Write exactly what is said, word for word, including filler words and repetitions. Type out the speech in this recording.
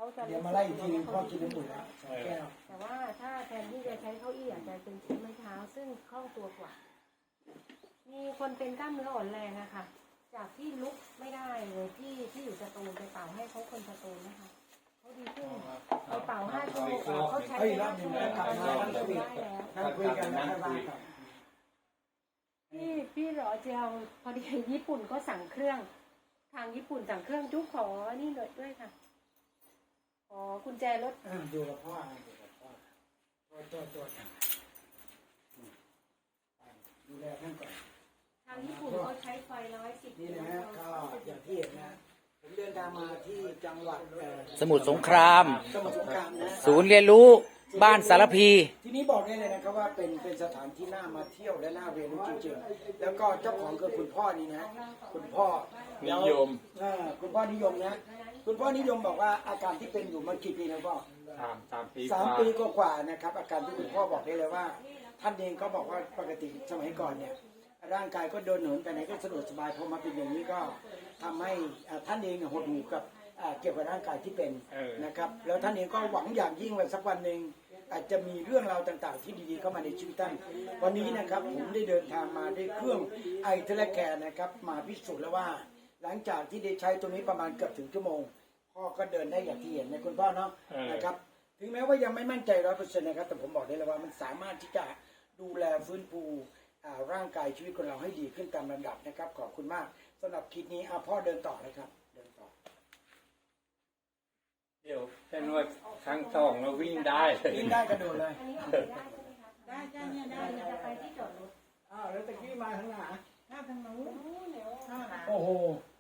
จะเดี๋ยวมาไล่อีกทีนึงพ่อกินน้ำปุ๋ยแล้วสองแก้วแต่ว่าถ้าแทนที่จะใช้เก้าอี้อาจจะเป็นใช้ไม้เท้าซึ่งคล่องตัวกว่ามีคนเป็นกล้ามเนื้ออ่อนแรงอะค่ะจากที่ลุกไม่ได้เลยที่ที่อยู่สตูลไปเป่าให้เขาคนสตูลนะคะเขาดีขึ้นไปเป่าห้าชั่วโมงเขาใช้ไปห้าชั่วโมงตอนนี้เขาได้แล้วนั่งคุยกันนะบ้านครับพี่พี่รอเจียวพอดีญี่ปุ่นก็สั่งเครื่อง ทางญี่ปุ่นสั่งเครื่องจุ๊กขอนี่เลยด้วยค่ะขอกุญแจรถอ่าดูกับพ่อดูกับพ่อตัวตัวตัวดูแลท่านก่อนทางญี่ปุ่นเขาใช้ไฟร้อยสิบนี่นะฮะก็อย่างที่เห็นนะผมเดินทางมาที่จังหวัดเอ่อสมุทรสงครามสมุทรสงครามนะศูนย์เรียนรู้บ้านสารพีที่นี้บอกได้เลยนะครับว่าเป็นเป็นสถานที่น่ามาเที่ยวและน่าเรียนรู้จริงๆแล้วก็เจ้าของคือคุณพ่อนี่นะคุณพ่อนิยมเอ่อคุณพ่อนิยมนะคุณพ่อนิยมบอกว่าอาการที่เป็นอยู่มันกี่ปีนะพ่อสามสามปีสามกว่าปีกว่าๆนะครับอาการที่คุณพ่อบอกได้เลยว่า ท่านเองก็บอกว่าปกติสมัยก่อนเนี่ยร่างกายก็เดินเหินไปไหนก็สะดวกสบายพอมาเป็นอย่างนี้ก็ทำให้อ่าท่านเองเนี่ยหดหู่กับอ่าเกี่ยวกับร่างกายที่เป็นนะครับแล้วท่านเองก็หวังอย่างยิ่งว่าสักวันหนึ่งอาจจะมีเรื่องราวต่างๆ ที่ดีๆเข้ามาในชีวิตท่านวันนี้นะครับผมได้เดินทางมาด้วยเครื่องไอเทเลแคร์นะครับมาพิสูจน์แล้วว่า หลังจากที่ได้ใช้ตัวนี้ประมาณเกือบถึงชั่วโมงพ่อก็เดินได้อย่างที่เห็นนะคุณพ่อเนาะนะครับถึงแม้ว่ายังไม่มั่นใจร้อยเปอร์เซ็นต์นะครับแต่ผมบอกได้เลยว่ามันสามารถที่จะดูแลฟื้นฟูอ่าร่างกายชีวิตของเราให้ดีขึ้นตามลำดับนะครับขอบคุณมากสำหรับคลิปนี้อ่ะพ่อเดินต่อเลยครับเดินต่อเดี๋ยวแค่นวดครั้งสองเราวิ่งได้เลยวิ่งได้กระโดดเลยอันนี้ออกไปได้ใช่ไหมคะได้จ้าเนี่ยได้จะไปที่จอดรถอ้าวแล้วตะกี้มาทางไหนถ้าทางนู้นเดี๋ยวโอ้โห